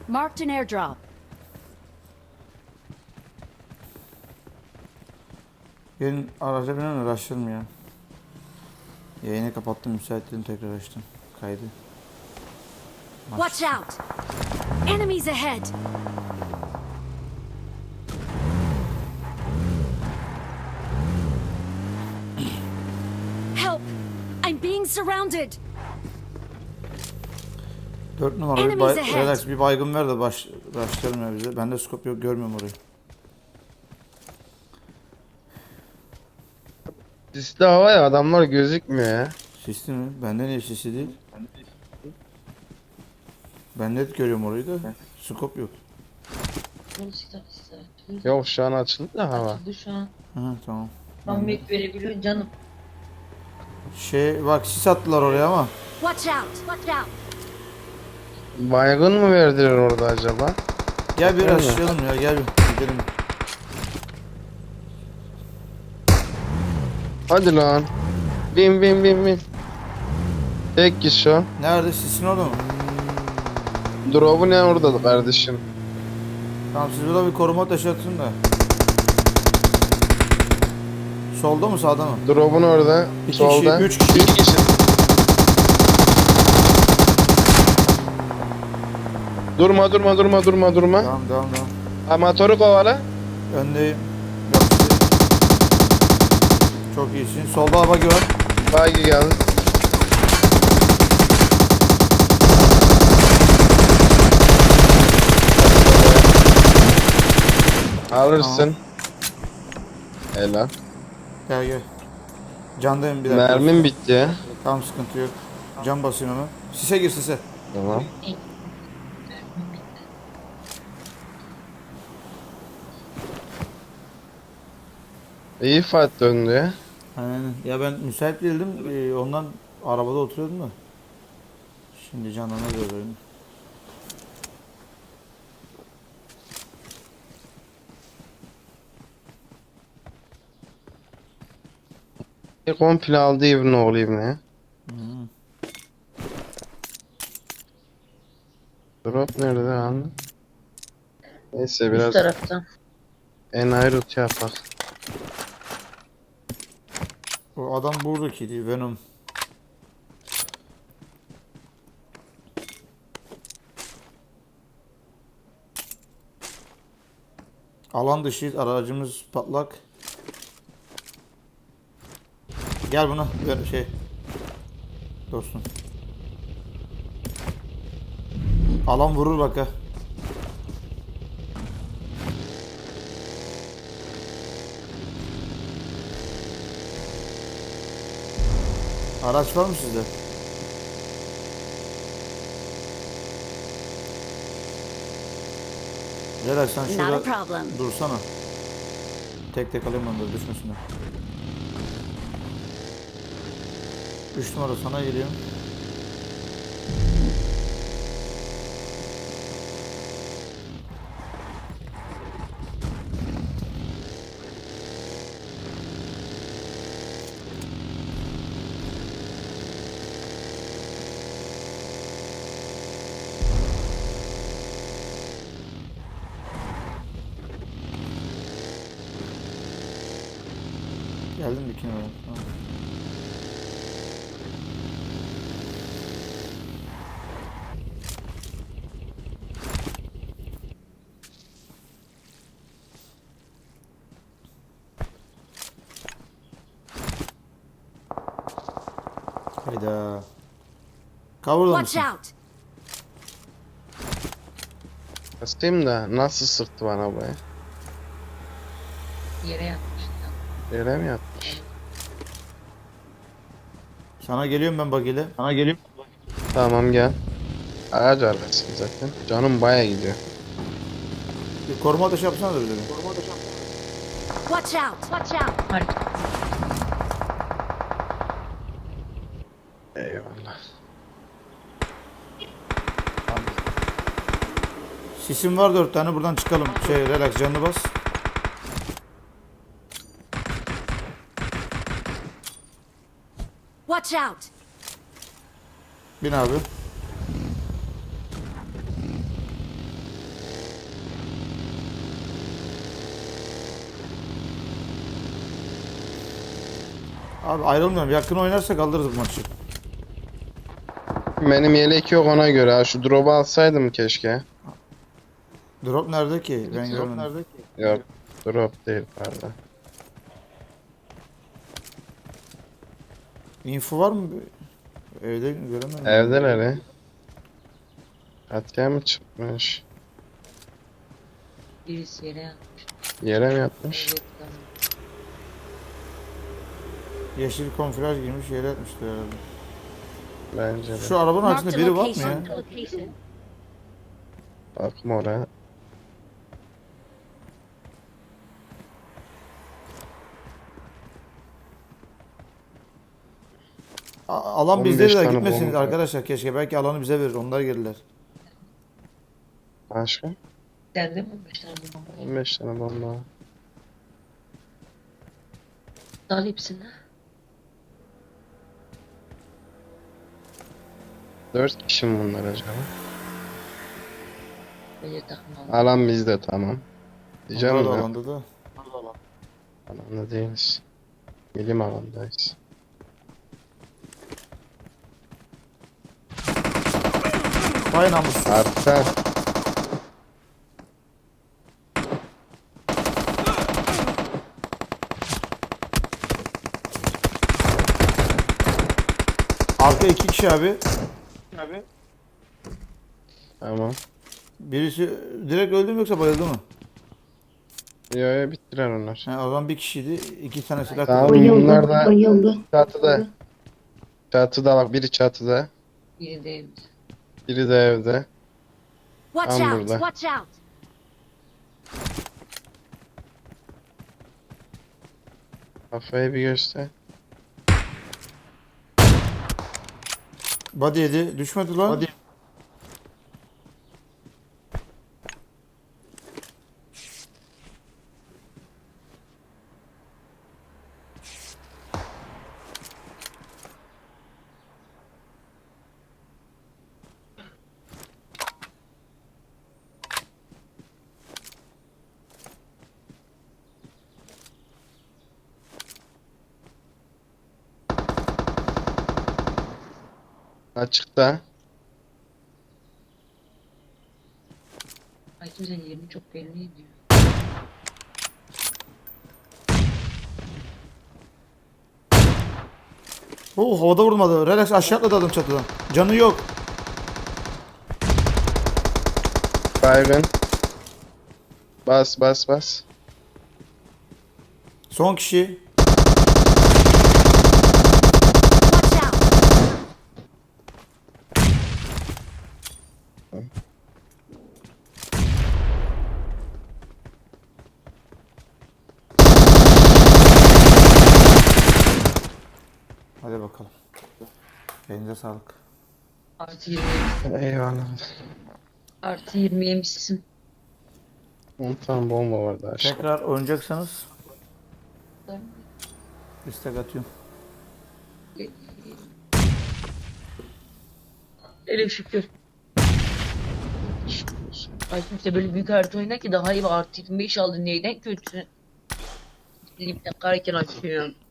Marked an airdrop. Gelin araca binen araştırdım ya. Yayını kapattım, müsaitliğini tekrar açtım. Kaydı. Watch out! Enemies ahead! Help! I'm being surrounded! 4 numara bir Enemies ahead. relax bir baygın ver de başlayalım ya bize. Bende scope yok, görmüyorum orayı. Sisli hava ya, adamlar gözükmüyor ya. Sisli mi? Bende niye sisli değil? Ben net görüyorum orayı da. Scope yok. Yok, şu an açıldı da hava. Açıldı şu an. Hı, tamam. Ahmet verebiliyor canım. Bak sis attılar oraya ama. Watch out! Watch out! Baygın mı verdiler orada acaba? Gel bir Öyle mi? açalım ya, gel bir gidelim. Hadi lan. Bin. Tek kişi o. Nerede, sisin orada mı? Drop'u ne orada kardeşim? Tamam, siz burada bir koruma taşı atın da. Solda mı, sağda mı? Drop'un orada. İki Solda. kişi, üç kişi. 3 kişi. Durma. Devam. Amatörü kovala. Öndeyim. Yapıştı. Çok iyisin. Solda araba var. Bagi geldi. Alırsın. Helal. Gel. Candayım bir dakika. Mermim bitti ya. Tamam, sıkıntı yok. Can basıyorum hemen. Sise gir, sise. Tamam. İyi fight döndü ya. Aynen. Ya ben müsait değildim. Ondan arabada oturuyordum da. Şimdi canlanır görüyorum. Komple aldı evine olayım ya. Drop nerede lan? Neyse Üst biraz taraftan. enayi route yapak. O adam buradakiydi, Venom. Alan dışı, aracımız patlak. Gel buna ver dostum. Alan vurur bak ha. Araç var mı sizde? Relax, sen Not a şurada problem. dursana. Tek alayım onları, düşmesinler. 3 numara sana geliyor. Geldim 2 numara. Tamam. Hayda. Cover'da Watch mısın? out! Kastayım da nasıl sıktı bana bu ya? Yere yatmıştı. Yere mi yattı? Sana geliyorum ben bagiyle. Sana geleyim. Tamam gel. Ağaç arkası zaten. Canım baya gidiyor. Bir koruma ateşi yapsana da bir de. Watch out! Watch out! Harika. Eyvallah. Sisim var 4 tane, buradan çıkalım. Relax, canını bas. Watch out! Bin abi. Abi ayrılmıyorum. Yakın oynarsak alırız bu maçı. Benim yelek yok ona göre ha. Şu drop'u alsaydım keşke. Drop nerede ki? Ben görmedim. Yok. Drop değil pardon. Info var mı? Evde göremedim. Evdeler he. Katya mı çıkmış? Birisi yere yatmış. Yere mi yatmış? Evet, tamam. Yeşil konfilaj girmiş yere atmıştı herhalde. Bence de. Şu arabanın Marked arkasında a biri var mı ya? location. Bakma oraya. Alan 15 bizde de tane gitmesin bomba. arkadaşlar keşke. Belki alanı bize verir. Onlar gelirler. Başka? Sende mi 15 tane bomba? 15 tane bomba. Dal hepsini. 4 kişi mi bunlar acaba? Böyle takma. Alan bizde tamam. Diyeceğim Onlar da ya. alanda da. Alanda değiliz. Bilim alandayız. Vay namussuz. Arka. Arka 2 kişi abi. Tamam. Birisi direkt öldü mü yoksa bayıldı mı? Yo yo bittiler onlar. He, o zaman bir kişiydi. 2 tane silah Tamam kullandı. bunlar da çatıda. Çatıda bak biri çatıda. Biri de evde. Biri de evde. Watch Tam out! burada. Watch out! Kafayı bir göster. Body yedi. Düşmedi lan. Açıkta. Ay kimsenin yerini çok belli ediyor. Havada vurmadı. Relax aşağı atladı adam çatıdan. Canı yok. Baygın. Bas bas bas. Son kişi. Watch out! Hadi bakalım. Elinize sağlık. Artı 20. Eyvallah. Artı 20 yemişsin. 10 tane bomba vardı aşağı. Tekrar oynayacaksanız istek atıyorum. Hele şükür. Ay kimse böyle büyük harita oynar ki daha iyi, artı 25 aldı neyden kötü. Limden karken açıyor.